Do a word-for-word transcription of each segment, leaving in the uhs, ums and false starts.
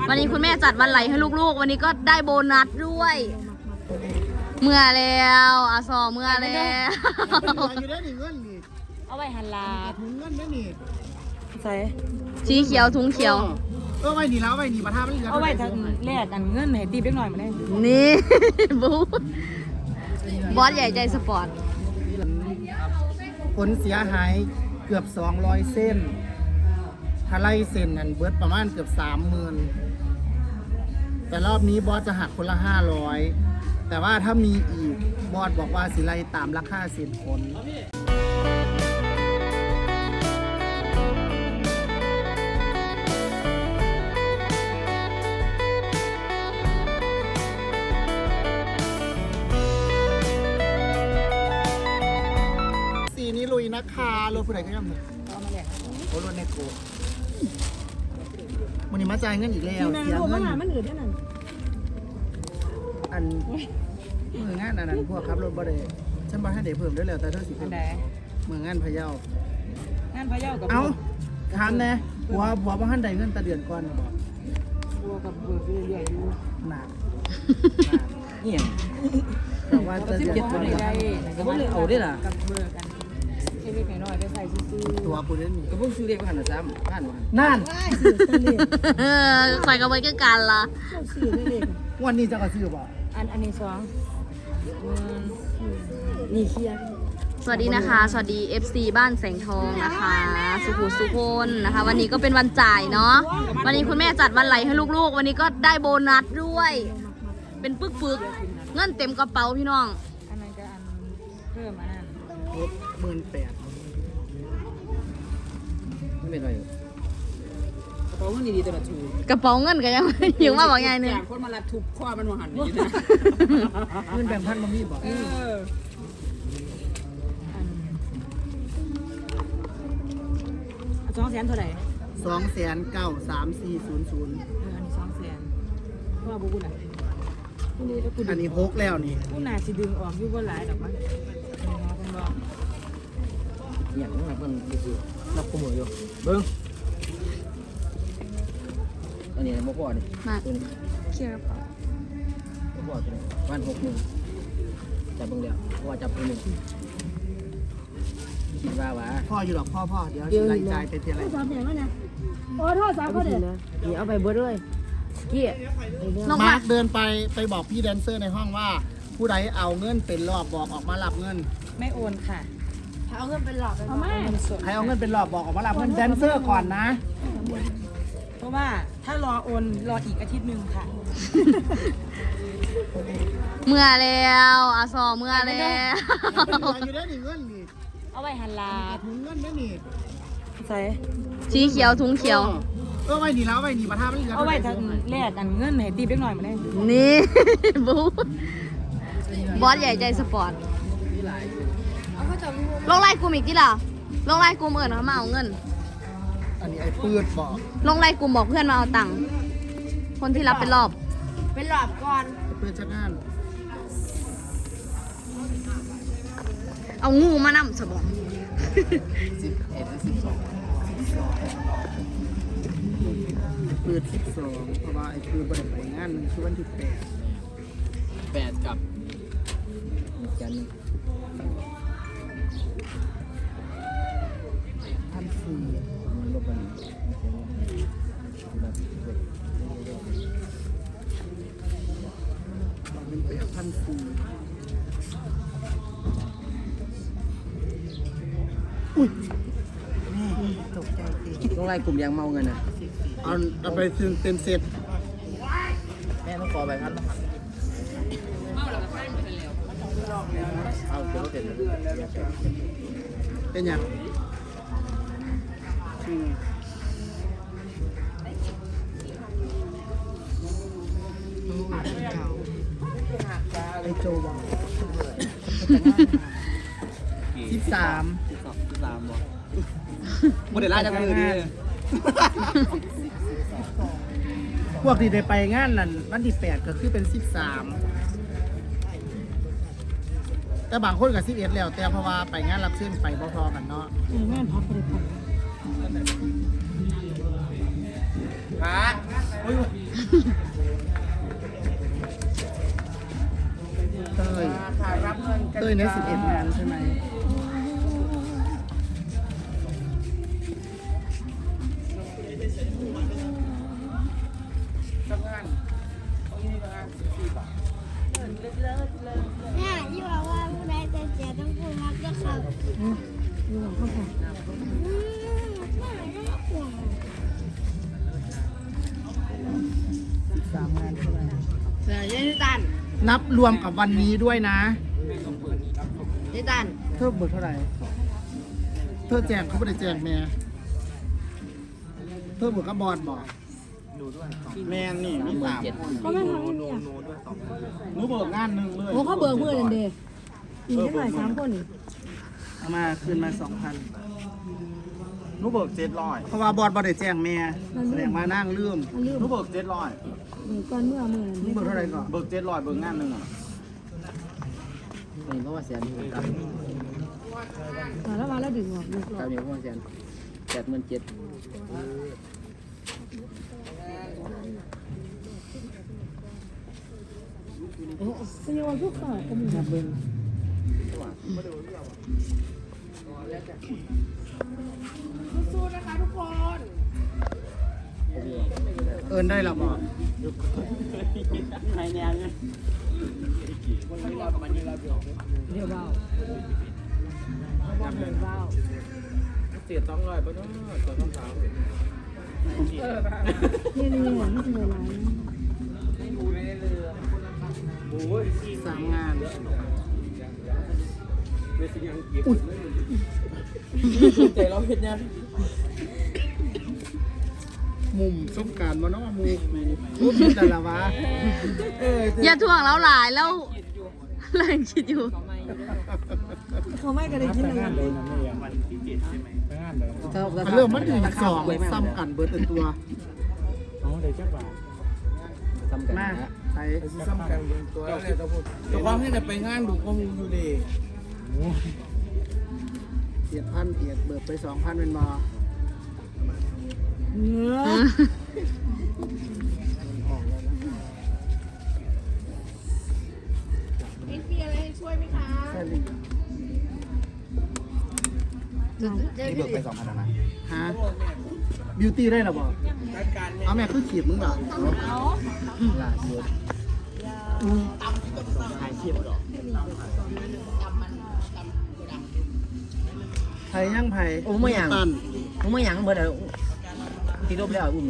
วันนี้คุณแม่จัดวันไหลให้ลูกๆวันนี้ก็ได้โบนัสด้วยเมื่อแล้วอาซอเมื่อแล้วอยู่ได้หนึ่งเงินนี่เอาไว้หันลาถุงเงินได้นี่ใส่สีเขียวถุงเขียวเออไว้นี่แล้วไว้นี่ประทามันเหลือเอาไว้ทางแรกกันเงินให้ตีเล็กหน่อยมาได้นี่ บูบอสใหญ่ใจสปอร์ตผลเสียหายเกือบสองร้อยเส้นถ้าไล่เส้นนั่นเบิดประมาณเกือบสามหมื่นแต่รอบนี้บอสจะหักคนละห้าร้อยแต่ว่าถ้ามีอีกบอสบอกว่าสิไล่ตามราคาเส้นผลสีนี้ลุยนะคะรถผู้ใดก็ย่ำเลยเอามาแลกโอ้รถในโกมันนี่มาจ่ายเงินอีกแล้วเสียเงินมันอื่นได้นั่นอันมืองานอันนั้นพวกขับรถบ่ได้ฉันบอกให้เด็กเพิ่มได้แล้วแต่เธอสิอัเพิ่นมใดมืองานพะเยางานพะเยากับเอ้าถามแน่ผัวผัวบ่ทันได้เงินแต่เดือนก่อนบ่บัวกับเบิกเรื่อยๆอยู่หนักนี่ยังแต่ว่าจะสิบเดือนเจ็ดก่ตัอวน นี้ได้ก็บ่เอาได้ล่ะกับเบิกกันเล็กๆน้อยๆไปใส่ซื้อตัวกูเล่นนี่ก็เพิ่งซื้อเรียกว่าหันละซ้ำผ่านว่านั่นเออคอยกับไว้ก็กันละวันนี้จะก็ซื้อบ่อันอันนี้สองนี่เคลียร์สวัสดีนะคะ สวัสดี เอฟ ซี บ้านแสงทองนะคะ สุขุมสุพนนะคะ วันนี้ก็เป็นวันจ่ายเนาะวันนี้คุณแม่จัดวันไหลให้ลูกๆวันนี้ก็ได้โบนัสด้วย เป็นปึกๆเงินเต็มกระเป๋าพี่น้องอันนั้นก็อันเพิ่มอันนั้นรถหมื่นแปดไม่เป็นไรอยู่กระเป๋าเงินดีๆตัวละถูกกระเป๋าเงินก็ยัง ยังว่าบอกไงหนึ่งอย่างคนมาลัดทุบข้อมันมาหันนี้นะเงินแบ่งพันบ่มีบ่เอออันสองแสนเท่าไหร่สองแสนเก้าสามสี่ศูนย์ศูนย์เอออันนี้สองแสนเพราะว่าบุกุน่ะบุกุถ้ากูอันนี้หกแล้วนี่กูน่าสิดึงออกอยู่บ่หลายดอกมั้งเป็นบอกอย่างนั้นมันคือรับขโมยอยู่เบิ้งอันนี้มะพร้าวนี่มาตัวนี้เคลียร์กระเป๋ามะพร้าวตัวนี้วันหกหนึ่งจับเบิ้งเดียวเพราะว่าจับเบิ้งหนึ่งคิดว่าว่าพ่ออยู่หรอกพ่อพ่อเดี๋ยวสิรายจ่ายเป็นเท่าไหร่สามแสนวะเนี่ยโอ้โทษสามเขาเด็ดนี่เอาไปเบิดเลยเกี้ยน้องมามาร์คเดินไปไปบอกพี่แดนเซอร์ในห้องว่า ผู้ใดเอาเงินเป็นรอบบอกออกมารับเงินไม่โอนค่ะเอาเงินเป็นหลอกเอามาใครเอาเงินเป็นรอบบอกออกมารับเงินแดนเซอร์ก่อนนะเพราะว่าถ้ารอโอนรออีกอาทิตย์หนึ่งค่ะเมื่อแล้วอาซอเมื่อแล้วอยู่ได้หนึ่งเงินนี่เอาไว้หันลาถุงเงินได้นี่ใส่สีเขียวถุงเขียวเออไว้นี่แล้วไว้นี่ประทามันเหลือเอาไว้ทางแรกกันเงินให้ตีเล็กหน่อยมาได้นี่ บูบอสใหญ่ใจสปอร์ตลงไล่กลุ่มอีกที่ล่ะลงไล่กลุ่มเอิญเขามาเอาเงินอันนี้ไอ้ปืดบอกลงไล่กลุ่มบอกเพื่อนมาเอาตังค์คนที่รับเป็นรอบเป็นหลอบก่อนไอ้ปืดชักงานเอางูมานำสบองสิบเอ็ดสิบสองปืดสิบสองเพราะว่าไอ้ปืดบริไปงานมันคือวันที่แปดแปดกับจันทร์พันสี่มันลบกันบอกเป็นแปดพันสี่อุ้ยแม่ตกใจสิต้องไล่กลุ่มยางเมาเงินนะเอาเอาไปเต็มเต็มเสร็จแม่ต้องขอใบพัดนะครับเอาเดี๋ยวเราเสร็จเลยเป็นยังอืมไอโจบอกสิบสามตามบ่โมเดลล่าจากมือดีพวกที่ได้ไปงานนั้นวันที่แปดก็คือเป็นสิบสามแต่บางคนกับสิบเอ็ดแล้ว แต่เพราะว่าไปงานรับเส้นไปพอๆกันเนาะแม่พักไปเลยพระโอ้ยเต้ยเต้ยเนี่ยสิบเอ็ดงานใช่ไหมเนี่ยที่บอกว่าผู้ใดจะเสียต้องพูดมักจะขับดูหลังเข้าไปอืมไม่ได้ห่วงสิบสามงานใช่ไหมเสือเยนิตันนับรวมกับวันนี้ด้วยนะเยนิตันเธอเบิกเท่าไหร่เธอแจงเขาไม่ได้แจงแม่เธอเบิกกับบอลบอกแม่นี่มีสามเขาไม่ทำนี่อ่ะหนูเบิกงานหนึ่งเลยโอ้เขาเบิกมือนั่นเด้อีกได้หน่อยสามคนนี่เอามาคืนมาสองพันหนูเบิกเจ็ดร้อยเพราะว่าบอลบอลได้แจ้งแม่แสดงมานั่งลืมมันลืมหนูเบิกเจ็ดร้อยเบิกก่อนเมื่อมือหนูเบิกเท่าไหร่ก่อนเบิกเจ็ดร้อยเบิกงานหนึ่งอ่ะนี่เพราะว่าแสนนี่ครับมาแล้วมาแล้วดึงออกดึงอคอรับกนี่เพราะว่าแสนแปดหมื่นเจ็ดเป็นยังไงทุกข์ก็มีแบบเบิ้งเอินได้หรอบอกในแนวเนี่ยวันนี้เรากับมันนี่เราเดียวเดี๋ยวเบาเบาเดินเบาเสียต้องเลยปะเนาะตัวต้องสาวเนี่ยนี่เนี่ยนี่คืออะไรโอ้ยสามงานเวทียังเก็บใจเราเห็นยังมุมสงการมาเนาะมุมมุมแต่ละวะเอออย่าถ่วงเราหลายแล้วเรายังคิดอยู่เขาไม่ก็ได้กินอะไรมันเริ่มมันถึงสองซ้ำกันเบิร์ดเป็นตัวทำกันมานะใช้ซ้ำกันตัวแล้วเนี่ยต้องพูดแต่ความให้แต่ไปงานดูข้อมูลอยู่ดีเอียดพันเอียดเบิร์ดไปสองพันเป็นบอเนื้อใช่ลินี่เบิกไปสองพันนะฮะบิวตี้ได้หรอบอกเอาแม่คือขีดมึงเหรอล่าสุดไทยย่างไผ่โอ้ไม่ยังตันผมไม่ยังเบิดเลยที่รบแล้วอุ้มเลย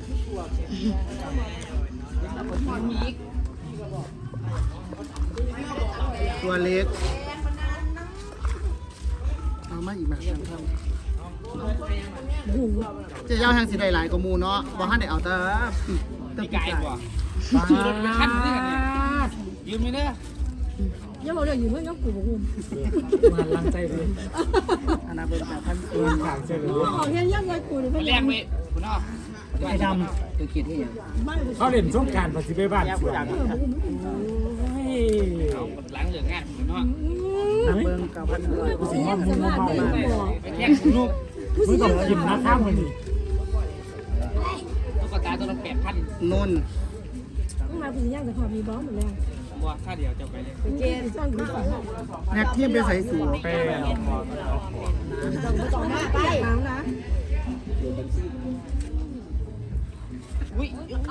ตัวเล็กเอามาอีกแบบนึงครับเจะย่าทางสีใดหลายกว่าหมูเนาะบ่ฮั่นได้เอาแต่แต่ปีกไก่ขี่รถไปขั้นนี่กันเนี่ยยืมไหมเนี่ยยังบอกเรื่องอยู่เพื่อนกับกูบอกกูมาลังใจเลยอันนั้นเป็นแบบพันตัวขางเชิญเลยออกเงี้ยยังไงกูเนี่ยแรกไปคุณอ้อไอ้ดำตัวคิดที่ยังเขาเล่นสงกรารปฏิบัติบ้านสวนหลังเหลืองานคุณอ้อนักเบิ้งกับพันตัวกูสิว่ามึงมาเมาไปแทงคุณลูกมึงต้องกินนะข้ามมันนี่ตุ๊กตาตัวละแปดพันนุ่นต้องมากูย่างแต่พอมีบ้องหมดแล้วบัวค่าเดียวจะไปเลยเกณฑ์สร้างกูก่อนแน็กทีมไปใส่สูแป้งต่อมาไปน้ำนะอุ้ย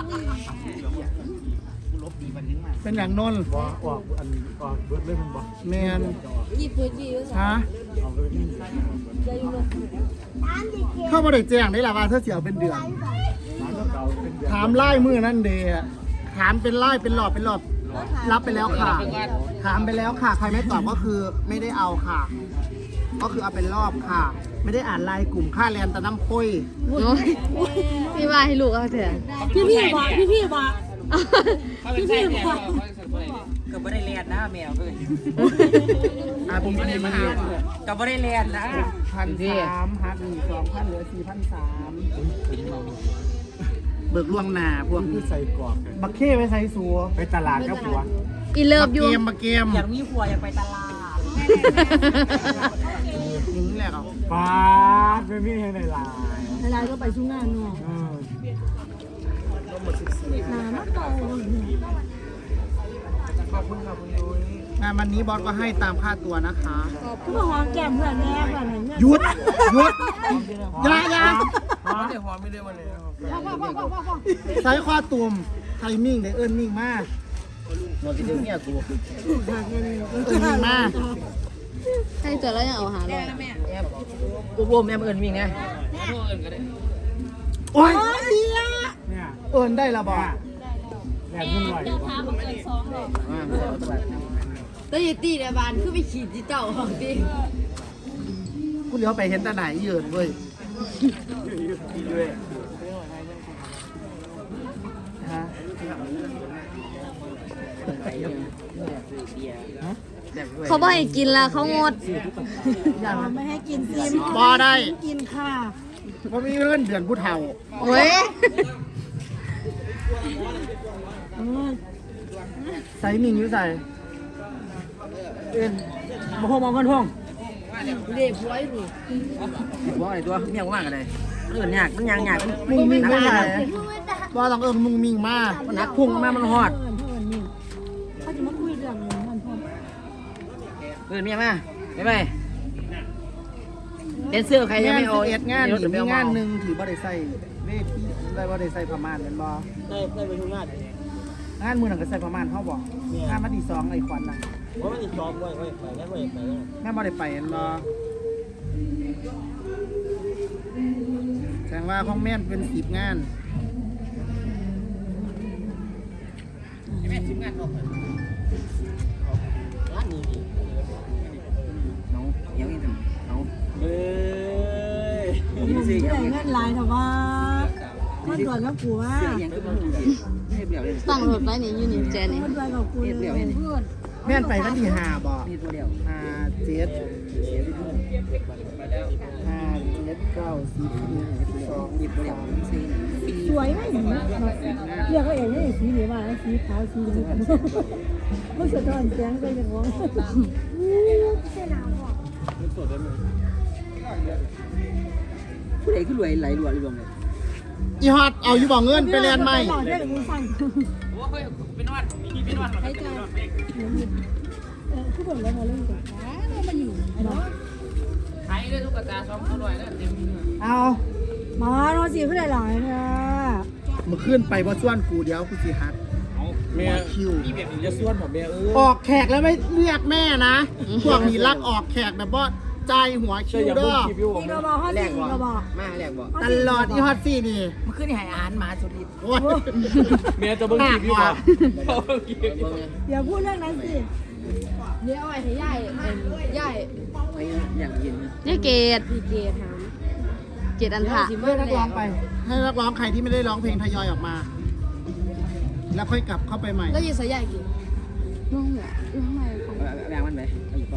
เป็นอย่างนนบ่ออกอันออกเบิดเลยมันบ่แมนยี่ปืนยี่ด้วยฮะเอาเลยนี่ใจอยู่เลยเข้ามาได้แจ้งได้ละว่าเธอเสียเป็นเดือนร้านเก่าเป็นเดือนถามไล่มือนั่นเดย์ถามเป็นไล่เป็นหลอดเป็นหลอดรับไปแล้วค่ะ ถามไปแล้วค่ะ ใครไม่ตอบก็คือไม่ได้เอาค่ะ ก็คือเอาเป็นรอบค่ะ ไม่ได้อ่านไลน์กลุ่มค่าแรงแต่น้ำพุยโอ้ยพี่ว่าให้ลูกเอาเถอะพี่พี่บอกพี่พี่บอกเขาเป็นแท้เนี่ยเขาเป็นสัตว์อะไรก็ไม่ได้เลียนนะแมวเลยอาผมไม่ได้มาเรียนก็ไม่ได้เลียนนะพันสามหักหนึ่งสองพันเหลือสี่พันสามเบิกล่วงหน้าพวกคือนี้ใส่กรอบบักเข้ไปใส่สัวไปตลาดกับผัวอีเลิฟบักอเกยู่มบักเกมอยากมีผัวอยากไปตลาดนี่แหละครับปาดไม่มีให้ในลายอะไรก็ไปชุ่งงานเนาะเออน้คุณค่ะคุณยุ้ยงานวันนี้บอสก็ให้ตามค่าตัวนะคะคือมาหอมแก้มเพื่อนแน่ก่อนเห็นหยุดหยุดอยาอยาไม่ได้หอมไม่ได้วันนี้ใช้ข้อตุ่มไทมิ่งได้เอิ้นมิ่งมากนอนกินเดี๋ยวเนี่ยกูเอิ้นมิ่งมากให้เจอแล้วยังเอาหาเลยแอบกูบ่มแอบเอิญวิ่งไงโอ้ยเนี่ยเอิ้นได้ละบอสแรงขึ้นหน่อยอ่าไม่ได้เอาตลาดแต่ยตีในบ้านคือไปขีดที่เจ้าของตีกูเลี้ยวไปเห็นตาไหนเยินเว้ยฮะเขาบอกให้กินละเขางดไม่ให้กินซิมบอได้กินค่ะเพราะมีเรื่องเดือนผู้เฒ่าเว้ยใส่มิ่งอยู่ใส่เอ็นมาห้องมองกันห้องเด็กไว้ดิบอกอะไรตัวเมียกูมากอะไรเอิญยากมันยางยากมันมุงมิ่งหนักไม่มาใส่กบอต้องเอิ้นมุงมิ่งมากมันหนักพุ่งมามันหอดเพื่อนเพื่อนนี่เขาจะมาคุยเรื่องนี้มันพ่อเอิญเมียมาไปไปเดนเซอร์ใครยังงานไม่เอาเอ็ดงานรถนี่เดี๋ยวมีไม่เอางานเมาหนึ่งถือบ่ได้ใส่เวทีได้บ่ได้ใส่ประมาณเป็นบ่ได้ได้ไปทุกงานงานมือหนังก็ใส่ประมาณเขาบอกงานมาที่สองไอ้ควันน่ะว่ามันติดซ้อมไว้ไว้ไปงั้นไว้ไปแล้วงานบ่ได้ไปเห็นบ่แสดงว่าของแม่นเป็นสิบงานแม่ชิมงานออกเลยร้านนี้น้องเดี๋ยวอีกหนึ่งน้องเฮ้ยยี่สิบผู้เดี๋ใดยวเงินลายแต่ว่ามันตรวจกับกูว่าเสื้อยังก็ไม่รู้สิไม่เปลี่ยวเลยต้องรถไว้นี่ยูนิเจนี่มันตรวจกับกูเลยเพื่อนแม่นไปวันที่ห้าบ่นี่ตัวเดียวห้าเจ็ดห้าเจ็ดเก้าสิบสิบเอ็ดสิบสองหยิบตัวเดียวสี่สวยไหมเรียกเขาเองนี่สีเหลืองสีขาวสีเหลืองมันสะท้อนแสงไปอย่างว่าผู้ใดขึ้นรวยไหลรวยรวมเลยอีฮอตเอาอยู่บ่เงินไปเรียนใหม่เรื่องมึงสั่งโอ้ยเป็นวันมีเป็นวันให้ใจเออคือบอกแล้วมาเรื่องกันเรามาอยู่เนาะไทยด้วยทุกตาซ้อมเขาด้วยแล้วเต็มเอามาเราสีขึ้นหลายๆนะเมื่อคืนไปบ่ส่วนกูเดี๋ยวกูสิฮัดแม่คิวมีแบบนี้จะส่วนผมแม่เออออกแขกแล้วไม่เรียกแม่นะพวกนี้รักออกแขกแบบว่าใจหัวคิวเด้อนี่ก็บอกห้าแรสี่กบ่ก็บอกมาแรกบ่ตลอดอีฮอตซี่นี่มันขึ้นให้อาหารหมาสุดฤทธิ์โอ้ยแม่จะเบิ่งคลิปอยู่บ่อย่าพูดเรื่องนั้นสิเดี๋ยวเอาไว้ให้ยายยายไปอย่างกินยายเกดพี่เกถามเกดอันทะให้นักร้องไป ให้นักร้องใครที่ไม่ได้ร้องเพลงทยอยออกมา แล้วค่อยกลับเข้าไปใหม่แล้วยีสายยายกินน้องเนี่ยอยู่ข้างในของแบ่งมันไปเอาอยู่กอง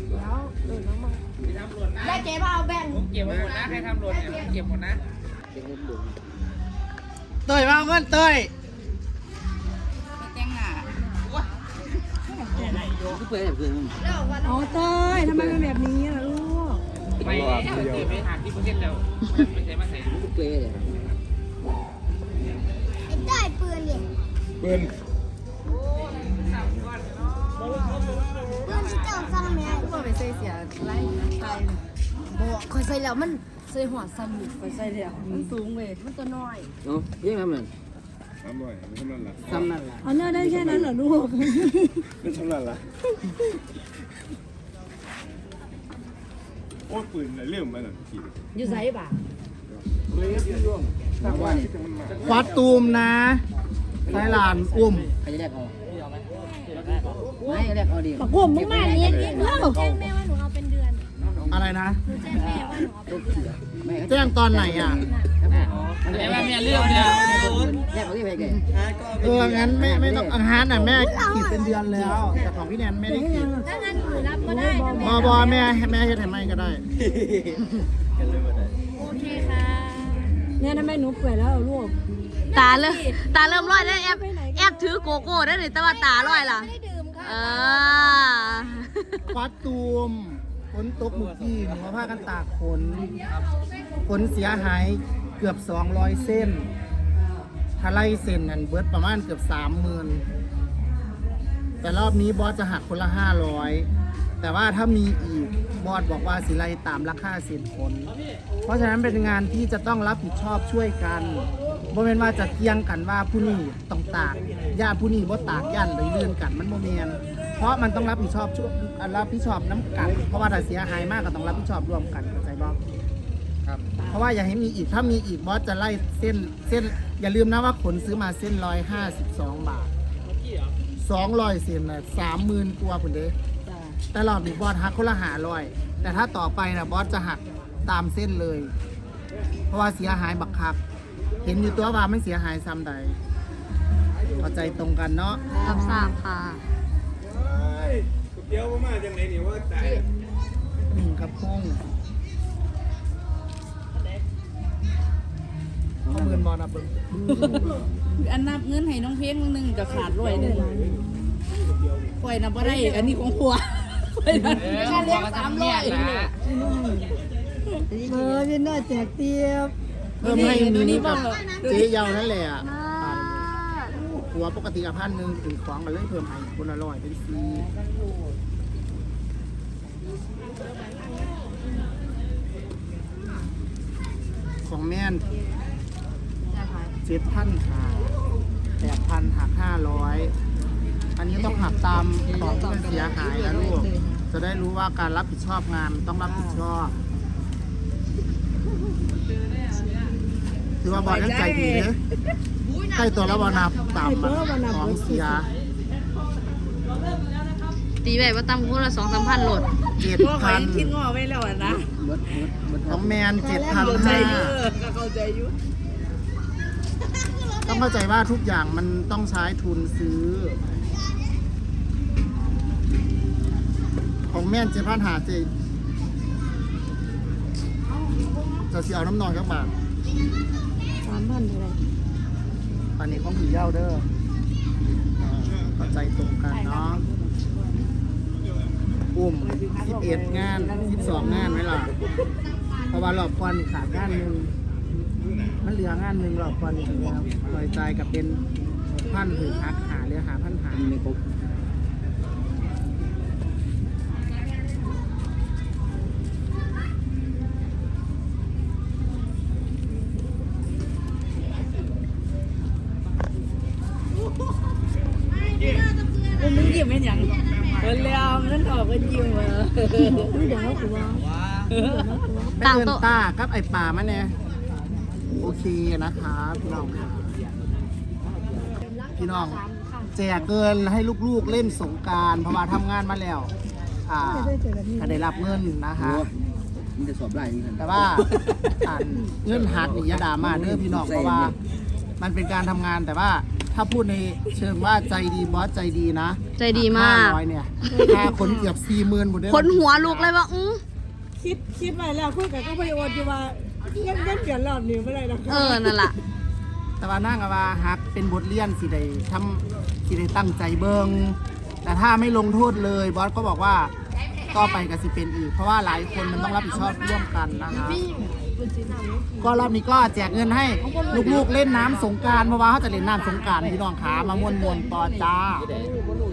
ได้เกดมาเอาแบ่งเก็บหมดนะใครทำรถเนี่ยเก็บหมดนะเด็กเล่นดุเต้ยมาเอาเงินเต้ยก็เปื่อยแบบเพื่อนมึงอ๋อเต้ยทำไมเป็นแบบนี้ล่ะลูกไม่ไปหาที่ประเทศเราไม่ใช่มาใส่ก็เปื่อยเลยไอ้ได้ปืนดิปืนปืนที่เจ้าฟังแม่ว่าไปใส่เสียไรใส่บอกคอยใส่แล้วมันใส่หัวซ้ำหนึ่งคอยใส่แล้วมันสูงเว้ยมันตัวน้อยเนาะยังไงมันทำบ่อยไม่ทำนั่นละซ้ำนั่นแหละเอาเนื้อได้แค่นั้นเหรอลูกไม่ทำนั่นละโอ้ปืนอะไรเรื่องมันอ่ะขี่อยู่ไสบ่ะเลยที่ร่วมทำว่าที่มันมาวัดตูมนะไทยลานอุ้มใครจะแรกเอาไม่แรกเอาดีบักผมมึงมาเลี้ยงเลี้ยงเล่าแจ้งแม่ว่าหนูเอาเป็นเดือนอะไรนะหนูแจ้งแม่ว่าหนูเอาเป็นเดือนไม่แจ้งตอนไหนอ่ะแม่แม่เรื่องเนี่ยแรกเอาที่ไปแกเออ งั้นไม่ไม่ต้องอาหารน่ะแม่ขีดเป็นเดือนแล้ว แต่ของพี่แนนไม่ได้ขีดถ้างั้นหนูรับก็ได้นะบแม่อบอแม่ให้แม่เฮ็ดให้ไม่ก็ได้โอเคค่ะเนี่ยทำไมหนูเปื่อยแล้วลูกตาเริ่มตาเริ่มร้อยได้แอบแอบถือโกโก้ได้เลยแต่ว่าตาร้อยล่ะไม่ได้ดื่มค่ะเออวัดตูมฝนตกเมื่อกี้หนูมาพากันตากฝนฝนเสียหายเกือบสองร้อยเส้นถ้าไล่เส้นนั่นเบิดประมาณเกือบสามหมื่นแต่รอบนี้บอสจะหักคนละห้าร้อยแต่ว่าถ้ามีอีกบอสบอกว่าสิไลตามราคาเส้นผลเพราะฉะนั้นเป็นงานที่จะต้องรับผิดชอบช่วยกันบ่แม่นว่าจะเทียงกันว่าผู้นี้ต้องตากญาติผู้นี้บ่ตากย่านเลยเลื่อนกันมันบ่แม่นเพราะมันต้องรับผิดชอบช่วยรับผิดชอบน้ำกันเพราะว่าถ้าเสียหายมากก็ต้องรับผิดชอบร่วมกันเข้าใจบ่ครับเพราะว่าอย่าให้มีอีกถ้ามีอีกบอสจะไล่เส้นเส้นอย่าลืมนะว่าขนซื้อมาเส้นร้อยห้าสิบสองบาทสองร้อยเส้นนะสามหมื่นกว่าคุณเด้แต่รอบนี้บอสหักคนละหาร้อยแต่ถ้าต่อไปนะบอสจะหักตามเส้นเลย เพราะว่าเสียหายบักคัก เห็นอยู่ตัวว่าไม่เสียหายซ้ำใดเข้าใจตรงกันเนาะรับทราบค่ะเดี๋ยวมาจังไหนนี่ว่าตายหนึ่งกระพงข้อมือบอลนะเบิ้งอันนับเงินให้น้องเพลงมึงหนึงก็ขาดร้อยหนึงปล่อยนับบ่ได้อันนี้ของผัวปล่อยนับค่าเลี้ยงสามร้อยเออพี่น้อยแจกเตียบเพิ่มให้นิ้วกับเจ๊เยาวนั่นแหละหัวปกติกับพันหนึ่งถึงของกันเลยเพิ่มให้คนละร้อยเป็นสี่ของแม่นเจ็ดพันหักแปดพันหักห้าร้อยอันนี้ต้องหักตามของที่มันเสียหายนะลูก จะได้รู้ว่าการรับผิดชอบงานต้องรับผิดชอบถือว่าบอลยังใจดีเนอะใกล้ตัวแล้วบอลนับตามของเสียตีแบบว่าตั้มคู่ละสองสามพันโหลดเจ็ดก็ขอพันยังคิดงอไว้แล้วอะนะเบิดเบิดเบิดของแมนเจ็ดพันเข้าใจห้าอยู่ก็เข้าใจอยู่ต้องเข้าใจว่าทุกอย่างมันต้องใช้ทุนซื้อ ของแม่นเจ็ดพันหาเจจะเสียเอาน้ำนอนกับบาทสามพันเท่าไหร่อันนี้ของผีเย้าเด้ออ่าเข้าใจตรงกันเนาะอุ้มสิบเอ็ดงานสิบสองงานไหมล่ะเพราะว่ารอบควันขาดงานหนึ่งมันเหลืองานหนึ่งรอบควันอีกแล้วรอยใจายกับเป็นพันถึงหักหาเหลือหาพันหาไม่ครบกูมึงยิ้มเป็นหยังเออแล้วเงินออกก็ยิ้มเออไม่เดี๋ยวกูว่าไปต่างเดินโต๊ะตากับไอป่ามาเนี่ยโอเคนะครับพี่น้องครับพี่น้องแจกเกินให้ลูกๆเล่นสงกรารเพราะว่าทำงานมาแล้วอ่าก็ได้รับเงินนะคะมันจะสอบได้เหมือนกันแต่ว่าอ่านเงื่อนหักนี่อยาดราม่าเด้อพี่น้องเพราะว่า มันเป็นการทำงานแต่ว่าถ้าพูดในเชิงว่าใจดีบอสใจดีนะใจดีมากห้ร้อยเนี่ยค่าขนเกือบสี่หมื่นหมดเลยคนหัวลูกเลยว่าอื้อคิดคิดไปแล้วคุยกับก็ไปโอนอยู่ว่าเงินเงินเปลี่ยนรอบนี้ไม่ได้หรอกเออ นั่นล่ะแต่ว่านั่งกับว่าฮักเป็นบทเรียนสิได้ทำสิได้ตั้งใจเบิงแต่ถ้าไม่ลงโทษเลยบอสก็บอกว่าก็ไปกับสิเป็นอีก เพราะว่าหลายคนมันต้องรับผิดชอบร่วมกันนะคะก็รอบนี้ก็แจกเงินให้ลูกๆเล่นน้ำสงกรารเพราะว่าเขาจะเล่นน้ำสงกรารพี่น้องขามามวนๆต่อจ้าที่ไหน